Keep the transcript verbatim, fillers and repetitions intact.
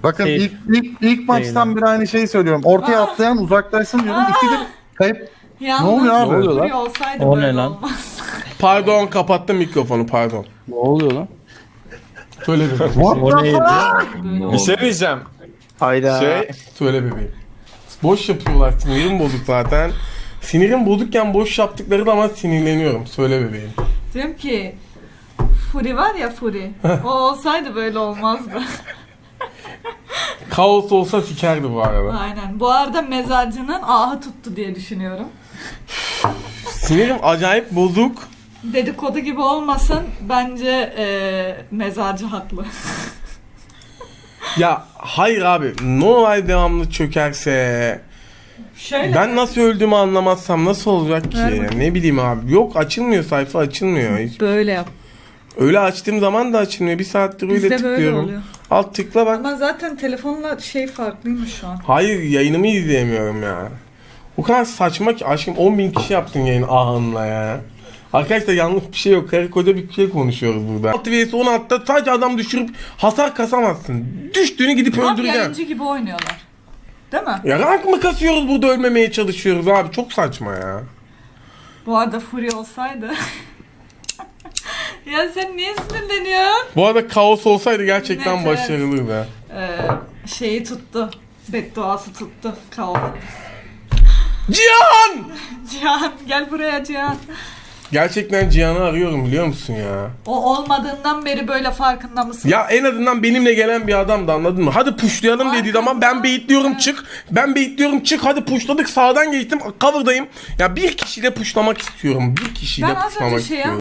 Bakın Şey- ilk ilk ilk maçtan beri aynı şeyi söylüyorum. Ortaya atlayan uzaklaşsın diyorum. İkidir kayıp. Yalnız Ne oluyor abi? Ne oluyor lan? Fury olsaydı O böyle ne lan? olmaz. Pardon, kapattım mikrofonu, pardon. Ne oluyor lan? Söyle bebeğim. What O the neydi? fuck? Böyle Bir şey diyeceğim. Hayda. Şey, Söyle bebeğim. Boş yapıyorlar, sinirim bozuk zaten. Sinirim bozukken boş yaptıkları zaman sinirleniyorum. Söyle bebeğim. Diyorum ki Fury var ya Fury. O olsaydı böyle olmazdı. Kaos olsa sikerdi bu arada. Aynen. Bu arada mezarcının ahı tuttu diye düşünüyorum. Sinirim acayip bozuk. Dedikodu gibi olmasın. Bence eee, mezarcı haklı. Ya hayır abi, ne olay devamlı çökerse... Şöyle. Ben nasıl öldüğümü anlamazsam nasıl olacak ki? Ver bakayım. Ne bileyim abi. Yok, açılmıyor, sayfa açılmıyor. Hiç. Böyle yap. Öyle açtığım zaman da açılmıyor. Bir saattir öyle Bizde böyle tıklıyorum. oluyor. Alt tıkla bak. Ama zaten telefonla şey farklıymış şu an. Hayır, yayınımı izleyemiyorum ya. O kadar saçma ki aşkım, on bin kişi yaptın yayın ahınla ya. Arkadaşlar yanlış bir şey yok. Karı koca bir şey konuşuyoruz burada. altı vs on altıda sadece adam düşürüp hasar kasamazsın. Düştüğünü gidip Tam öldüreceksin. yayıncı gibi oynuyorlar. Değil mi? Ya rank mı kasıyoruz burada, ölmemeye çalışıyoruz abi. Çok saçma ya. Bu arada Fury olsaydı. Ya sen niye sinirleniyorsun? Bu arada kaos olsaydı gerçekten Evet, evet. başarılıydı. Ee, şeyi tuttu. Bedduası tuttu. Kaos. Cihan! Cihan gel buraya Cihan. Gerçekten Cihan'ı arıyorum, biliyor musun ya? O olmadığından beri böyle farkında mısın? Ya en azından benimle gelen bir adamdı, anladın mı? Hadi pushlayalım dediği zaman ben baitliyorum, Evet. çık. Ben baitliyorum, çık. Hadi pushladık, sağdan geçtim, cover'dayım. Ya bir kişiyle pushlamak istiyorum. Bir kişiyle Ben az önce pushlamak şeye istiyorum.